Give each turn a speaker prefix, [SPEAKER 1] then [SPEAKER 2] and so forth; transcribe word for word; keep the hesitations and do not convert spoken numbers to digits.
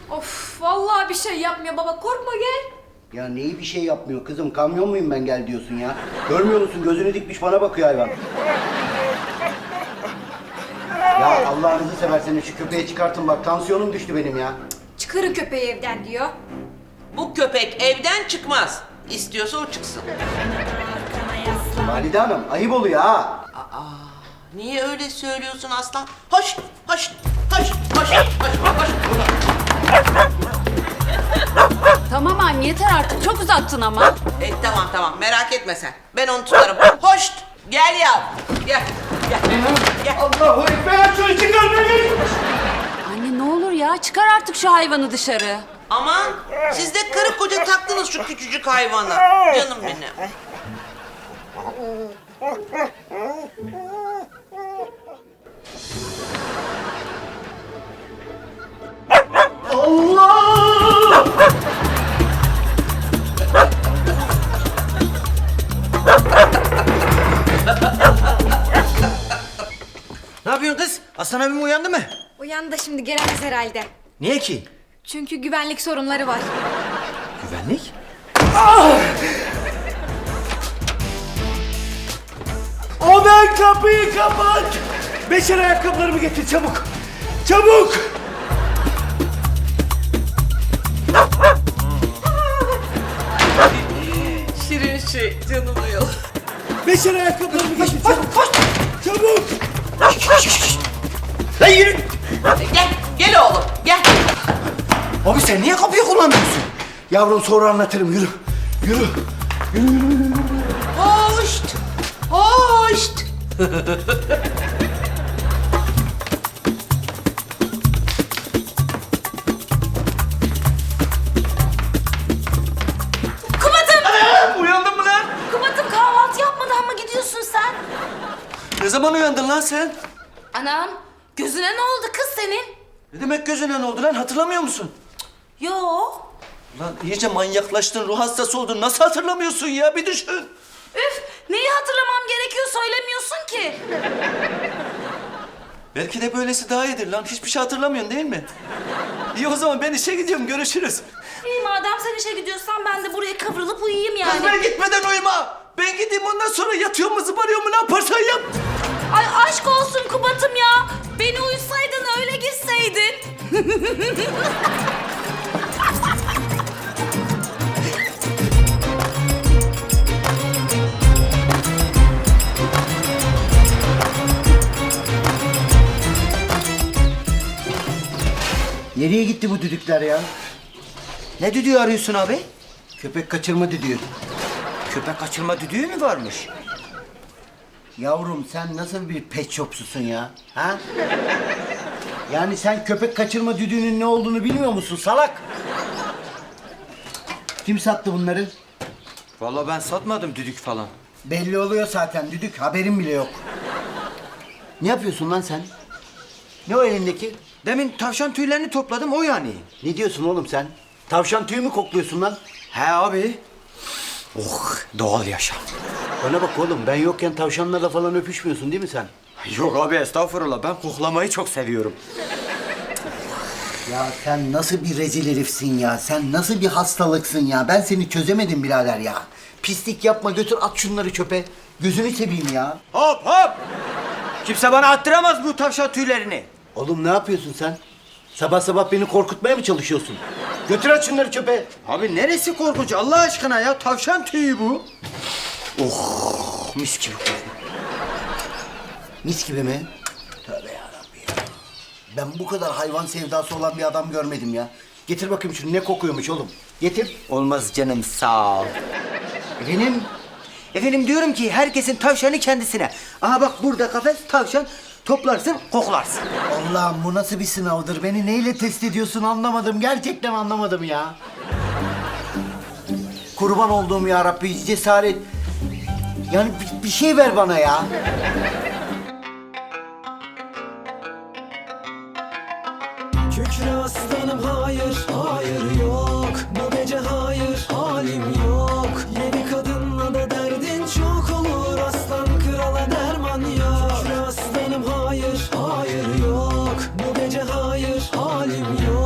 [SPEAKER 1] Of vallahi bir şey yapmıyor baba, korkma gel.
[SPEAKER 2] Ya neyi bir şey yapmıyor kızım? Kamyon muyum ben gel diyorsun ya? Görmüyor musun? Gözünü dikmiş bana bakıyor hayvan. Ya Allah'ınızı severseniz şu köpeği çıkartın bak. Tansiyonum düştü benim ya.
[SPEAKER 1] Çıkarın köpeği evden diyor.
[SPEAKER 3] Bu köpek evden çıkmaz. İstiyorsa o çıksın.
[SPEAKER 2] Valide Hanım ayıp oluyor ha.
[SPEAKER 3] Niye öyle söylüyorsun aslan? Hoş, hoş, hoş, hoş, hoş, hoş.
[SPEAKER 4] Tamam anne yeter artık, çok uzattın ama.
[SPEAKER 3] E tamam tamam merak etme sen. Ben onu tutarım. Hoş, gel ya. Gel, gel, gel.
[SPEAKER 2] Allahu Ekber, şunu çıkar beni.
[SPEAKER 4] Anne ne olur ya, çıkar artık şu hayvanı dışarı.
[SPEAKER 3] Aman siz de karı koca taktınız şu küçücük hayvana. Canım benim.
[SPEAKER 2] Allah!
[SPEAKER 5] Ne yapıyorsun kız? Aslan abim uyandı mı?
[SPEAKER 1] Uyandı da şimdi gelemez herhalde.
[SPEAKER 5] Niye ki?
[SPEAKER 1] Çünkü güvenlik sorunları var.
[SPEAKER 5] Güvenlik?
[SPEAKER 6] Odan kapıyı kapat! Beşer ayakkabılarımı getir çabuk! Çabuk!
[SPEAKER 3] Şirin şey canım uyuyor.
[SPEAKER 6] Beşer ayakkabılarımı getir çabuk! Çabuk!
[SPEAKER 5] Lan yürü!
[SPEAKER 3] Gel, gel oğlum, gel.
[SPEAKER 5] Abi sen niye kapıyı kullanmıyorsun?
[SPEAKER 2] Yavrum sonra anlatırım yürü. Yürü.
[SPEAKER 3] Hoş, hoş.
[SPEAKER 1] Kubat'ım!
[SPEAKER 5] Uyandın mı lan?
[SPEAKER 1] Kubat'ım kahvaltı yapmadan mı gidiyorsun sen?
[SPEAKER 5] Ne zaman uyandın lan sen?
[SPEAKER 1] Anam gözüne ne oldu kız senin?
[SPEAKER 5] Ne demek gözüne ne oldu lan? Hatırlamıyor musun?
[SPEAKER 1] Yo.
[SPEAKER 5] Lan iyice manyaklaştın, ruh hastası oldun. Nasıl hatırlamıyorsun ya? Bir düşün.
[SPEAKER 1] Üf, neyi hatırlamam gerekiyor söylemiyorsun ki.
[SPEAKER 5] Belki de böylesi daha iyidir lan. Hiçbir şey hatırlamıyorsun değil mi? İyi o zaman ben işe gidiyorum. Görüşürüz.
[SPEAKER 1] İyi madem sen işe gidiyorsan ben de buraya kıvrılıp uyuyayım
[SPEAKER 5] Kız
[SPEAKER 1] yani.
[SPEAKER 5] ben gitmeden uyuma. Ben gideyim ondan sonra yatıyor mu zıbarıyor mu ne yaparsan yap.
[SPEAKER 1] Ay aşk olsun Kubat'ım ya. Beni uyusaydın öyle gitseydin.
[SPEAKER 2] Nereye gitti bu düdükler ya?
[SPEAKER 5] Ne düdüğü arıyorsun abi?
[SPEAKER 2] Köpek kaçırma düdüğü.
[SPEAKER 5] Köpek kaçırma düdüğü mü varmış?
[SPEAKER 2] Yavrum sen nasıl bir pet shopsusun ya? Ha? Yani sen köpek kaçırma düdüğünün ne olduğunu bilmiyor musun salak? Kim sattı bunları?
[SPEAKER 5] Vallahi ben satmadım düdük falan.
[SPEAKER 2] Belli oluyor zaten düdük haberin bile yok. Ne yapıyorsun lan sen? Ne o elindeki?
[SPEAKER 5] Demin tavşan tüylerini topladım o yani.
[SPEAKER 2] Ne diyorsun oğlum sen? Tavşan tüyü mü kokluyorsun lan?
[SPEAKER 5] He abi. Oh doğal yaşam.
[SPEAKER 2] Bana bak oğlum ben yokken tavşanlarla falan öpüşmüyorsun değil mi sen?
[SPEAKER 5] Yok abi estağfurullah ben koklamayı çok seviyorum.
[SPEAKER 2] Ya sen nasıl bir rezil herifsin ya? Sen nasıl bir hastalıksın ya? Ben seni çözemedim birader ya. Pislik yapma götür at şunları çöpe. Gözünü seveyim ya.
[SPEAKER 5] Hop hop. Kimse bana attıramaz bu tavşan tüylerini.
[SPEAKER 2] Oğlum ne yapıyorsun sen? Sabah sabah beni korkutmaya mı çalışıyorsun? Götür at şunları çöpe.
[SPEAKER 5] Abi neresi korkunç Allah aşkına ya tavşan tüyü bu. Oh mis gibi.
[SPEAKER 2] Mis gibi mi? Tövbe yarabbim ya. Ben bu kadar hayvan sevdası olan bir adam görmedim ya. Getir bakayım şunu ne kokuyormuş oğlum. Getir.
[SPEAKER 5] Olmaz canım sağ ol.
[SPEAKER 2] Efendim?
[SPEAKER 5] Efendim diyorum ki herkesin tavşanı kendisine. Aha bak burada kafes tavşan toplarsın koklarsın.
[SPEAKER 2] Allah'ım bu nasıl bir sınavdır? Beni neyle test ediyorsun anlamadım. Gerçekten anlamadım ya. Kurban olduğum ya Rabbi cesaret. Yani bir, bir şey ver bana ya.
[SPEAKER 6] Kükre aslanım hayır, hayır yok. Bu gece hayır, halim yok.